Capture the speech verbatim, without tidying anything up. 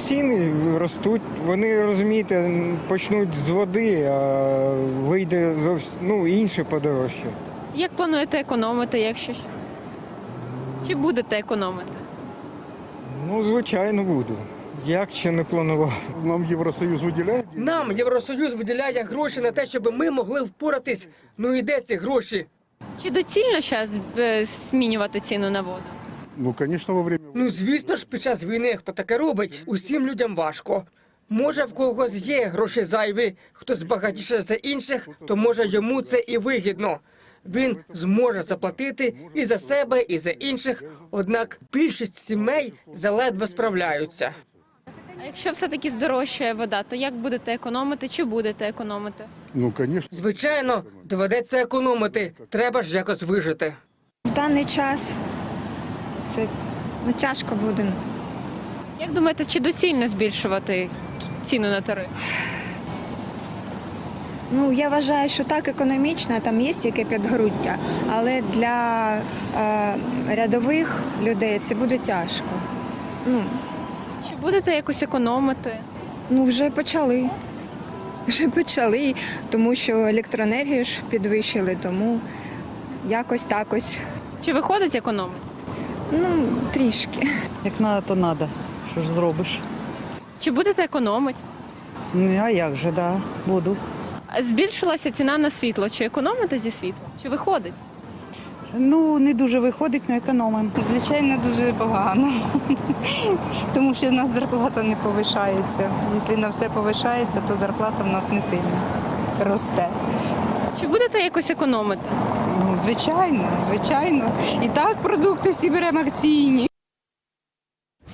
ціни ростуть. Вони, розумієте, почнуть з води, а вийде зовсім ну, інше подорожче. Як плануєте економити, якщо що? Чи будете економити? Ну, звичайно, буду. Як ще не планував. Нам Євросоюз виділяє? Нам Євросоюз виділяє гроші на те, щоб ми могли впоратись. Ну і де ці гроші? Чи доцільно зараз змінювати ціну на воду? Ну, звісно, во время... Ну звісно ж, під час війни хто таке робить, усім людям важко. Може, в когось є гроші зайві, хтось багатіше за інших, то може йому це і вигідно. Він зможе заплатити і за себе, і за інших, однак більшість сімей заледве справляються. А якщо все-таки здорожчає вода, то як будете економити, чи будете економити? Ну, звісно. Звичайно, доведеться економити, треба ж якось вижити. В даний час це ну, тяжко буде. Як думаєте, чи доцільно збільшувати ціну на тариф? Ну, я вважаю, що так економічно, там є яке підґрунтя, але для е, рядових людей це буде тяжко. Ну, Чи будете якось економити? ну вже почали. Вже почали, тому що електроенергію ж підвищили, тому якось так ось. Чи виходить економити? Ну, трішки. Як треба, то треба. Що ж зробиш? Чи будете економити? Ну, а як же, да, буду. Збільшилася ціна на світло. Чи економите зі світла? Чи виходить? Ну, не дуже виходить, але економимо. Звичайно, дуже погано, тому що в нас зарплата не повишається. Якщо на все повишається, то зарплата в нас не сильно росте. Чи будете якось економити? Ну, звичайно, звичайно. І так продукти всі беремо акційні.